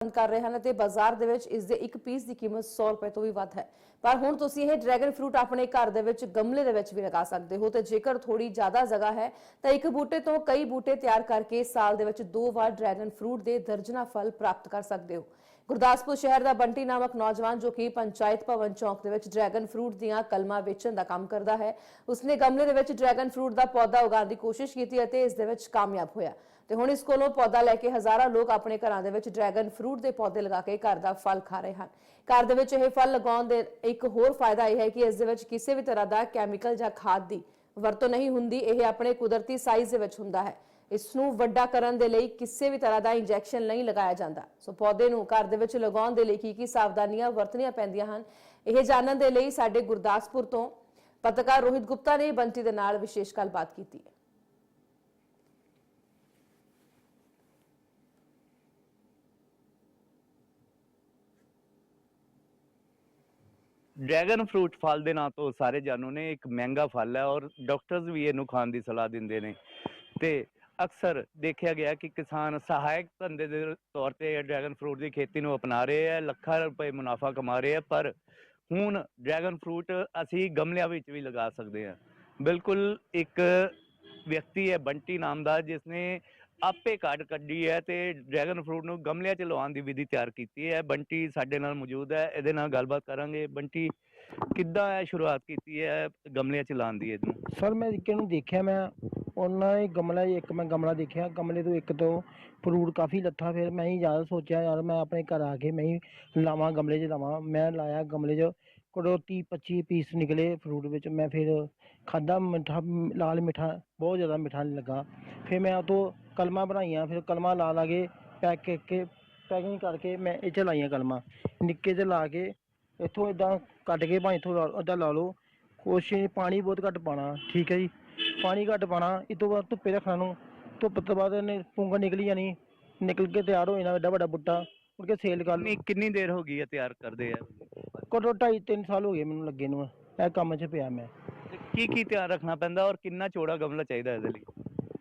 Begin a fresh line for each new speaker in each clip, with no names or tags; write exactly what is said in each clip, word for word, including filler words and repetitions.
पसंद कर रहे हैं ते बाजार दे विच इस दे एक पीस की कीमत सौ रुपए तो भी वध है। पर हुण तुसीं इह ड्रैगन फ्रूट अपने घर दे विच गमले दे विच भी लगा सकते हो ते जेकर थोड़ी ज़्यादा जगह है तो एक बूटे तो कई बूटे तैयार करके साल दे विच दो वार ड्रैगन फ्रूट के दर्जना फल प्राप्त कर सकते हो। गुरदासपुर शहर का बंटी नामक नौजवान जो कि पंचायत भवन चौक के ड्रैगन फ्रूट दीआं कलमां वेचण का काम करता है, उसने गमले दे विच ड्रैगन फ्रूट का पौधा उगाउण की कोशिश की ते इस दे विच कामयाब होया ते हुण इस कोलों पौधा लैके हज़ारां लोग अपने घरां दे विच ड्रैगन फ्रूट के पौधे लगा के घर का फल खा रहे हैं। घर दे विच इह फल लगाउण दे एक होर फायदा यह है कि इस दे विच किसी भी तरह का कैमिकल जां खाद की वरतों नहीं हुंदी, यह अपने कुदरती साइज़ दे विच हुंदा है। इसनूं वड्डा करन दे लई किसी भी तरह का इंजैक्शन नहीं लगाया जाता। सो पौधे नूं घर दे विच लगाउण दे लई की की सावधानियां वरतणीआं पैंदियां हन, यह जानन दे लई साडे गुरदासपुर तो पत्रकार रोहित गुप्ता ने बंटी दे नाल विशेष गलबात कीती है।
ड्रैगन फ्रूट फल के नाम तो सारे जानो ने एक महंगा फल है और डॉक्टर्स भी इनू खाने की सलाह देंगे ने ते अक्सर देखा गया कि किसान सहायक धंधे के तौर पर ड्रैगन फ्रूट की खेती को अपना रहे हैं, लखा रुपए मुनाफा कमा रहे हैं। पर हुण ड्रैगन फ्रूट असी गमलियां विच भी लगा सकते हैं। बिल्कुल एक व्यक्ति है बंटी नाम का जिसने आपे काट कड्डी है ते ड्रैगन फ्रूट नूं गमलियां च लवाउण दी विधि तैयार की है। बंटी साडे नाल मौजूद है, इहदे नाल गलबात करांगे। बंटी किद्दां है शुरुआत की है गमलियां च लाउण दी? इहनूं
सर मैं किहनूं देखिया, मैं उन्होंने गमला एक मैं गमला देखा, गमले तो एक तो फ्रूट काफ़ी लथा। फिर मैं ही ज़्यादा सोचा यार मैं अपने घर आके मैं ही लावां गमले च लावां। मैं लाया गमले च, कोई तीह पच्ची पीस निकले फ्रूट बिच। मैं फिर खादा, मिठा लाल मिठा बहुत ज़्यादा मिठा लगा। फिर मैं तो कलमां बनाइयां, फिर कलमां ला ला के पैक करके पैकिंग करके मैं इह च लाइयां कलमां निक्के च ला के इत्थों इदां कट के भाएं इत्थों अद्धा ला लो। कोशिश पानी बहुत घट्ट पाना, ठीक है जी, पानी घट्ट पाना। इस तो बाद धुप्पे रखना नूं, धुप्प तो बाद पुंग निकली जानी, निकल के तैयार हो जाना एड्डा बड़ा बूटा, मुड़ के सेल कर लो।
कितनी देर हो गई है तैयार करदे है?
घट्टो ढाई तीन साल हो गए मैनूं लगे नूं, इह कम्म च पिया मैं।
की की ध्यान रखना पैंदा और कितना चौड़ा गमला चाहिए इहदे लई?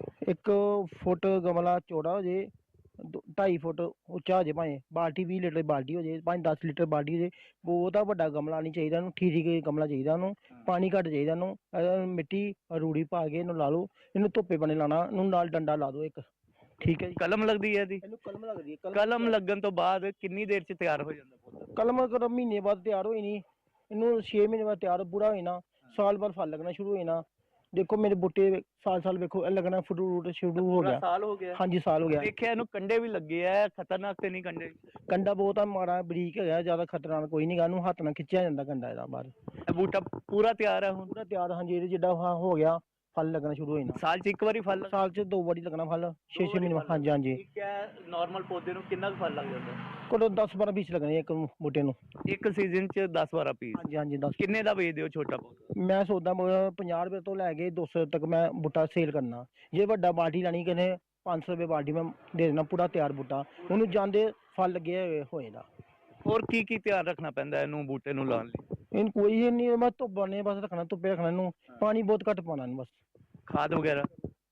एक फुट गमला चौड़ा हो जाए, ढाई फुट उच्चा हो जाए, भाएं बाल्टी बीस लीटर बाल्टी हो जाए, भाएं दस लीटर बाल्टी हो जाए। बहुता बड़ा गमला नहीं चाहिए, ठीक ठीक गमला चाहिए उन्होंने, पानी घट चाहिए उन्होंने, मिट्टी रूड़ी पा के इन्हू ला लो, इन्हू धुप्पे बने लाना, नाल डंडा ला दो एक, ठीक है।
कलम लगती है दी?
कलम लगती है।
कलम लगन तो बाद कितनी देर च तैयार हो जाता?
कलम कर महीने बाद तैयार हो जानी, इनू छे महीने बाद तैयार पूरा हो जाना, साल बाद फल लगना शुरू हो जाना। देखो मेरे बूटे साल साल देखो लगना फ्रूट शुरू हो गया।
साल हो गया?
हाँ जी साल हो गया।
देखिए इनू कंडे भी लगे है, खतरनाक तो नहीं कंडे?
कंडा बहुत माड़ा बरीक है, ज्यादा खतरनाक कोई नहीं, इनू हथ ना खिंचा जाता कंडा इहदा बाहर।
बूटा पूरा तैयार है?
पूरा तैयार, हाँ जी, जिड्डा हो गया फल लगना शुरू हो जाना।
साल च एक बारी फल?
साल च दो बारी लगना फल, छे छे महीने। हाँ जी हाँ जी।
नॉर्मल पौधे नूं कितना फल लग जाता है?
कोई दस बारह पीस लगने एक बूटे नूं
एक सीजन च दस बारह पीस?
हाँ जी हाँ जी। दस
किन्ने दा बेचदे हो छोटा पौधा?
मैं सोचदा पचास रुपए तो लैके दो सौ तक मैं बूटा सेल करना। जे वड्डा बाल्टी लैनी किन्ने पाँच सौ रुपए बाल्टी मैं दे देना, पूरा तैयार बूटा, उन्होंने जांदे फल लगे हो जाएगा।
और की की ध्यान रखना पैंदा इनू बूटे नूं लाउण लई?
इन कोई नहीं, मैं धुप्प बने बस रखना, धुप्पे रखना इनू, पानी बहुत घट पाना बस।
खाद वगैरह?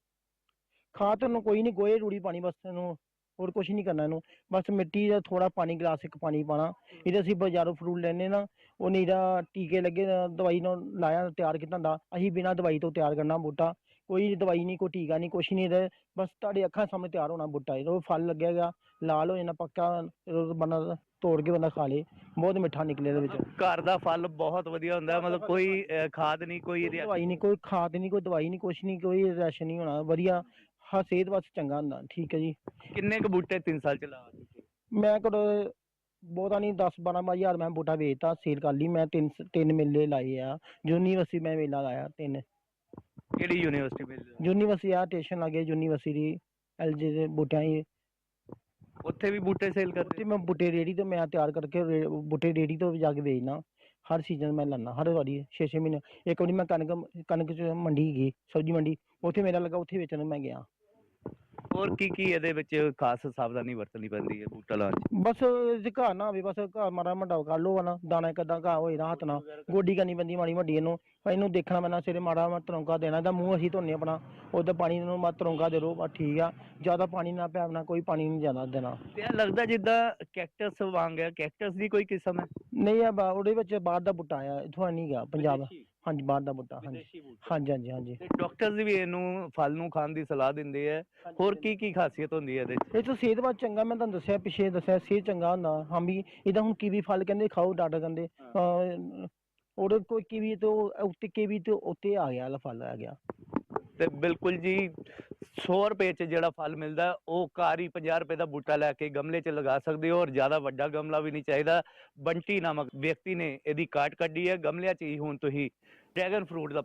खाद तो कोई नहीं, गोहे रूड़ी पानी बस इनू, और कुछ नहीं करना इनू, बस मिट्टी का थोड़ा पानी गिलास एक पानी पाना। इहदे असीं बाजारों फ्रूट लैने ना, वो नहीं टीके लगे दवाई नाल लाया तैयार कीता हुंदा, असीं बिना दवाई तो तैयार करना बूटा, कोई दवाई नहीं कोई टीका नहीं कुछ नहीं, बस तुहाडे अक्खां सामने तैयार होना बूटा। जो फल लगेगा लाल हो जाना पक्का, बंदा तोड़ के बंदा खा ले, बहुत मिठा निकले इहदे विच।
घर दा फल बहुत वधिया हुंदा है, मतलब कोई खाद नहीं, कोई
दवाई नहीं, कोई खाद नहीं, कोई दवाई नहीं, कुछ नहीं, कोई रिएक्शन नहीं होना, वधिया हाँ सेहत वास्ते चंगा हुंदा, ठीक है जी।
किन्ने क बूटे तीन साल च ला?
मैं करो बहुता नहीं दस बारह हजार मैं बूटा बेचता, सेल कर ली मैं। तीन तीन मेले लाए आ, यूनीवर्सिटी मैं मेला लाया तीन।
केड़ी यूनिवर्सिटी मेले?
यूनीवर्सिटी आ स्टेशन लगे, यूनीवर्सिटी एल जी दे बूटियां ही,
उत्थे भी बूटे सेल करते?
उत्थे मैं बूटे रेडी तो मैं तैयार करके बूटे रेडी तो जाके बेचना। हर सीजन मैं लाना, हर बारी छे छे महीने। एक बारी मैं कनक कनक च मंडी गई, सब्जी मंडी, उत्थे मेला लगा, उत्थे बेचने मैं गया।
ਹੋਰ ਕੀ ਕੀ ਇਹਦੇ ਵਿੱਚ ਖਾਸ ਸਾਵਧਾਨੀ ਵਰਤਣੀ ਪੈਂਦੀ ਹੈ ਬੂਟਾ ਲਾਉਣ 'ਚ?
ਬਸ ਜੇ ਘਾਹ ਨਾ ਹੋਵੇ, ਬਸ ਘਾਹ ਮਾੜਾ ਮੋਟਾ ਕਰ ਲਓ ਨਾ, ਦਾਣਾ ਕਿੱਦਾਂ ਘਾਹ ਹੋਏ ਨਾ ਹੱਥ ਨਾਲ ਗੋਡੀ ਕਰਨੀ ਪੈਂਦੀ ਮਾੜੀ ਮੋਟੀ ਇਹਨੂੰ, ਇਹਨੂੰ ਦੇਖਣਾ ਪੈਂਦਾ ਸਵੇਰੇ ਮਾੜਾ ਮਾ ਤਰੌਂਕਾ ਦੇਣਾ, ਇਹਦਾ ਮੂੰਹ ਅਸੀਂ ਧੋਨੇ ਆਪਣਾ, ਉਹਦਾ ਪਾਣੀ ਨੂੰ ਮਾ ਤਰੌਂਕਾ ਦੇ ਦਿਓ ਬਸ ਠੀਕ ਆ, ਜ਼ਿਆਦਾ ਪਾਣੀ ਨਾ ਪਿਆਵਣਾ, ਕੋਈ ਪਾਣੀ ਨਹੀਂ ਜ਼ਿਆਦਾ ਦੇਣਾ।
ਤੇ ਇਹ ਲੱਗਦਾ ਜਿੱਦਾਂ ਕੈਕਟਸ ਵਾਂਗ ਹੈ, ਕੈਕਟਸ ਦੀ ਕੋਈ ਕਿਸਮ ਹੈ?
ਨਹੀਂ ਆ ਬਾ ਉਹਦੇ ਵਿੱਚ ਬਾਹਰ ਦਾ ਬੂਟਾ ਆਇਆ, ਇੱਥੋਂ ਨਹੀਂ ਗਾ ਪੰਜਾਬ, ਹਾਂਜੀ ਬਾਹਰ ਦਾ ਬੂਟਾ, ਹਾਂਜੀ ਹਾਂਜੀ ਹਾਂਜੀ ਹਾਂਜੀ।
ਤੇ ਡਾਕਟਰਸ ਵੀ ਇਹਨੂੰ ਫਲ ਨੂੰ ਖਾਣ ਦੀ ਸਲਾਹ ਦਿੰਦੇ ਆ, ਹੋਰ ਕੀ ਕੀ ਖਾਸੀਅਤ ਹੁੰਦੀ ਹੈ ਇਹਦੇ 'ਚ?
ਇਹ ਤੋਂ ਸਿਹਤ ਬਾਤ ਚੰਗਾ, ਮੈਂ ਤੁਹਾਨੂੰ ਦੱਸਿਆ ਪਿੱਛੇ ਦੱਸਿਆ ਸਿਹਤ ਚੰਗਾ ਹੁੰਦਾ ਹਾਂ ਵੀ, ਇਹਦਾ ਹੁਣ ਕੀਵੀ ਫਲ ਕਹਿੰਦੇ ਖਾਓ, ਡਾਕਟਰ ਕਹਿੰਦੇ ਅਹ ਉਹਦੇ ਕੋਈ ਕੀਵੀ ਤੋਂ ਉੱਤੇ ਕੀਵੀ ਤੋਂ ਉੱਤੇ ਆ ਗਿਆ ਵਾਲਾ ਫਲ ਆ ਗਿਆ।
ਤੇ ਬਿਲਕੁਲ ਜੀ, ਸੌ ਰੁਪਏ 'ਚ ਜਿਹੜਾ ਫਲ ਮਿਲਦਾ ਉਹ ਘਰ ਹੀ ਪੰਜਾਹ ਰੁਪਏ ਦਾ ਬੂਟਾ ਲੈ ਕੇ ਗਮਲੇ 'ਚ ਲਗਾ ਸਕਦੇ ਹੋ, ਔਰ ਜ਼ਿਆਦਾ ਵੱਡਾ ਗਮਲਾ ਵੀ ਨਹੀਂ ਚਾਹੀਦਾ। ਬੰਟੀ ਨਾਮਕ ਵਿਅਕਤੀ ਨੇ ਇਹਦੀ ਕਾਟ ਕੱਢੀ ਹੈ, ਗਮਲਿਆਂ 'ਚ ਹੀ ਹੁਣ ਤੁਸੀਂ ਡਰੈਗਨ ਫਰੂਟ ਦਾ